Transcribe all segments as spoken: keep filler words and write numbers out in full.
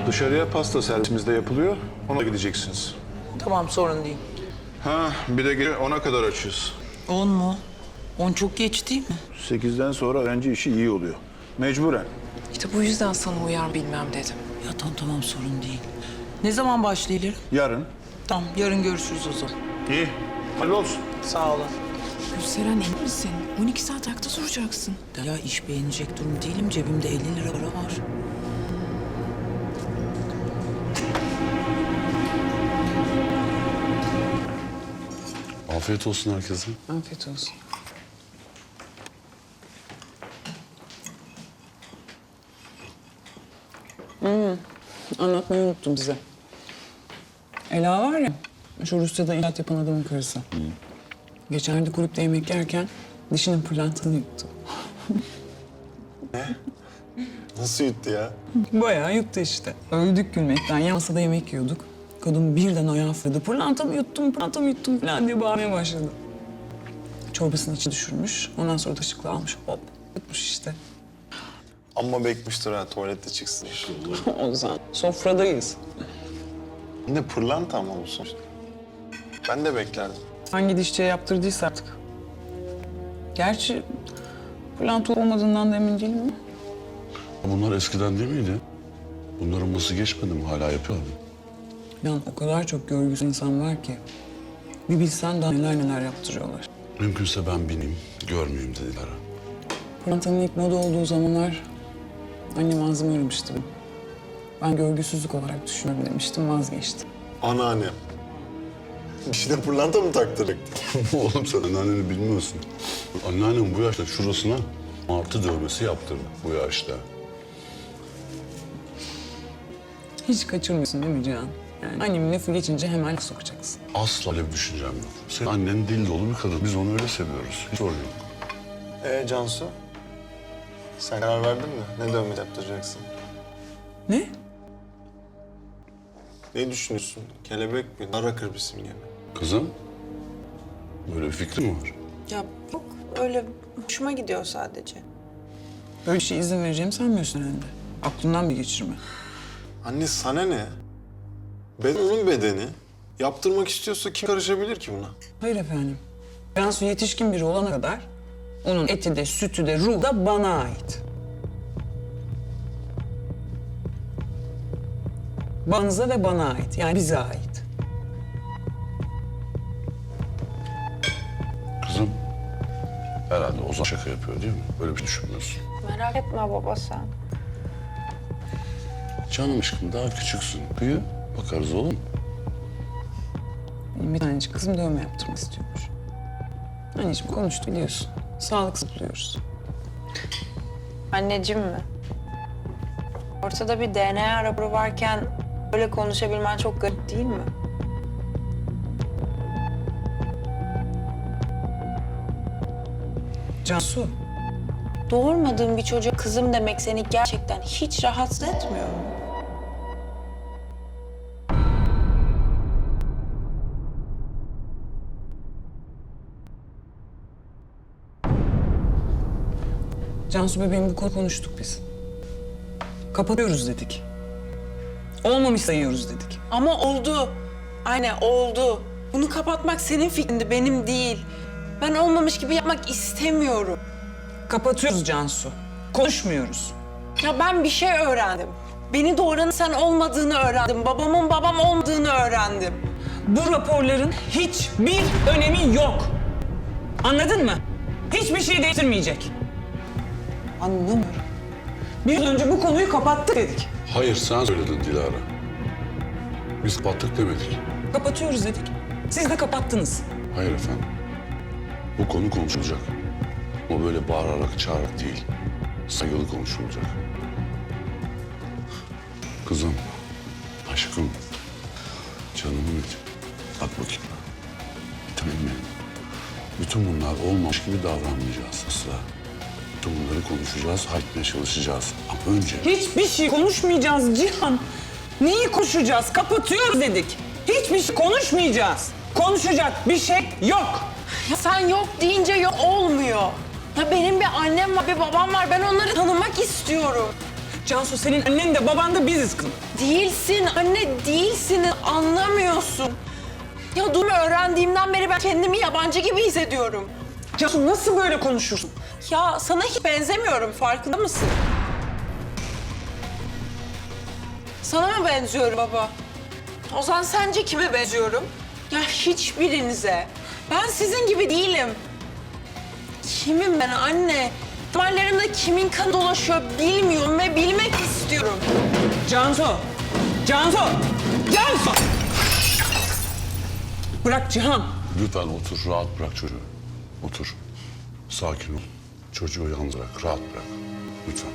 Dışarıya pasta servisimizde yapılıyor. Ona gideceksiniz. Tamam, sorun değil. Ha, bir de gece ona kadar açıyoruz. On mu? On çok geç değil mi? Sekizden sonra öğrenci işi iyi oluyor. Mecburen. İşte bu yüzden sana uyar bilmem dedim. Ya tamam tamam, sorun değil. Ne zaman başlayalım? Yarın. Tamam, yarın görüşürüz o zaman. İyi. Hayırlı olsun. Sağ olun. Gülseren emin misin? on iki saat ayakta duracaksın. Ya iş beğenecek durum değilim. Cebimde elli lira para var. Afiyet olsun herkese. Afiyet olsun. Hmm, anlatmayı unuttum size. Ela var ya, şu Rusya'da inşaat yapan adamın karısı. Geçenlerde kulüpte yemek yerken dişinin pırlantını yuttu. Nasıl yuttu ya? Bayağı yuttu işte. Öldük gülmekten. Yan masada yemek yiyorduk. Kadın birden ayağa fırladı. Pırlantamı yuttum, pırlantamı yuttum falan diye bağırmaya başladı. Çorbasını içi düşürmüş. Ondan sonra da ışıkla almış. Hop, yutmuş işte. Amma bekmiştir ha tuvalette çıksın. O zaman sofradayız. Ne pırlanta mı olsun işte. Ben de beklerdim. Hangi dişçiye yaptırdıysa artık. Gerçi pırlanta olmadığından da emin değilim ama. Bunlar eskiden değil miydi? Bunların nasıl geçmedi mi? Hala yapıyorlar mı? Yani o kadar çok görgüsüz insan var ki. Bir bilsen daha neler neler yaptırıyorlar. Mümkünse ben bineyim, görmeyeyim dediler. Pırlantanın ilk moda olduğu zamanlar annem ağzımı aramıştı. Ben görgüsüzlük olarak düşünüyorum demiştim, vazgeçtim. Anneannem. Dişine pırlanta mı taktırdık? Oğlum sen anneanneni bilmiyorsun. Anneannem bu yaşta şurasına martı dövmesi yaptırdı bu yaşta. Hiç kaçırmıyorsun değil mi Cihan? Yani annemin lafı geçince hemen laf sokacaksın. Asla öyle bir düşüncem yok. Senin annen dil dolu bir kadın. Biz onu öyle seviyoruz. Hiç sorun yok. Ee Cansu? Sen karar verdin mi? Ne dövme yaptıracaksın? Ne? Ne düşünüyorsun? Kelebek mi? Nara kırbisi mi? Kızım, böyle bir fikrin mi var? Ya yok, öyle hoşuma gidiyor sadece. Böyle bir şey izin vereceğimi sanmıyorsun herhalde. Aklından bir geçirme. Anne sana ne? Beden onun bedeni. Yaptırmak istiyorsa kim karışabilir ki buna? Hayır efendim. Cansu yetişkin biri olana kadar onun eti de, sütü de, ruhu da bana ait. Banıza ve bana ait. Yani bize ait. Kızım, herhalde Ozan şaka yapıyor değil mi? Böyle bir şey düşünmüyorsun. Merak etme baba sen. Canım aşkım daha küçüksün. Büyü, bakarız oğlum. Benim bir tanecik kızım dövme yaptırmak istiyormuş. Anneciğim konuştu biliyorsun. Sağlıksız buluyoruz. Anneciğim mi? Ortada bir D N A raporu varken böyle konuşabilmen çok garip değil mi? Cansu, Doğurmadığın bir çocuğa kızım demek seni gerçekten hiç rahatsız etmiyor mu? Cansu bebeğim bu konu konuştuk biz. Kapatıyoruz dedik. Olmamış sayıyoruz dedik. Ama oldu. Aynen oldu. Bunu kapatmak senin fikrindi, benim değil. Ben olmamış gibi yapmak istemiyorum. Kapatıyoruz Cansu. Konuşmuyoruz. Ya ben bir şey öğrendim. Beni doğuranın sen olmadığını öğrendim. Babamın babam olmadığını öğrendim. Bu raporların hiçbir önemi yok. Anladın mı? Hiçbir şey değiştirmeyecek. Anlamıyorum. Bir yıl önce bu konuyu kapattık dedik. Hayır, sen söyledin Dilara. Biz kapattık demedik. Kapatıyoruz dedik. Siz de kapattınız. Hayır efendim. Bu konu konuşulacak. Ama böyle bağırarak, çağırarak değil. Saygılı konuşulacak. Kızım, aşkım, canımın içi. Bak bakayım. Bir tanem benim. Bütün bunlar olmamış gibi davranmayacağız asla. Bütün bunları konuşacağız, halletmeye çalışacağız. Ama önce... Hiçbir şey konuşmayacağız Cihan. Neyi konuşacağız? Kapatıyoruz dedik. Hiçbir şey konuşmayacağız. Konuşacak bir şey yok. Ya sen yok deyince yok olmuyor. Ya benim bir annem var, bir babam var. Ben onları tanımak istiyorum. Cansu senin annen de baban da biziz kızım. Değilsin anne, değilsin. Anlamıyorsun. Ya durumu öğrendiğimden beri ben kendimi yabancı gibi hissediyorum. Cansu nasıl böyle konuşursun? Ya sana hiç benzemiyorum, farkında mısın? Sana mı benziyorum baba? O zaman sence kime benziyorum? Ya hiçbirinize. Ben sizin gibi değilim. Kimim ben anne? Damarlarımda kimin kanı dolaşıyor bilmiyorum ve bilmek istiyorum. Cansu! Cansu! Cansu! Bırak Cihan. Lütfen otur, rahat bırak çocuğu. Otur. Sakin ol. Çocuğu yalnız bırak, rahat bırak. Lütfen.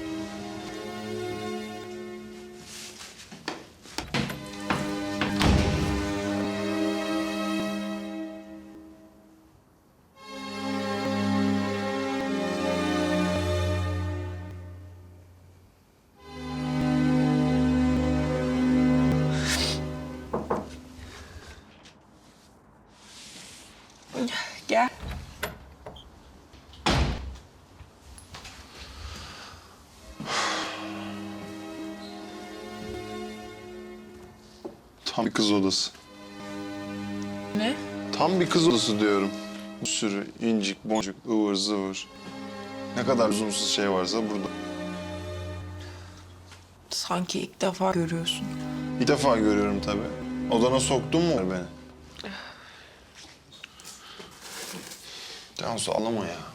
Gel. Tam bir kız odası. Ne? Tam bir kız odası diyorum. Bir sürü incik, boncuk, ıvır zıvır. Ne kadar lüzumsuz şey varsa burada. Sanki ilk defa görüyorsun. Bir defa görüyorum tabii. Odana soktun mu beni? Cansu ağlama ya.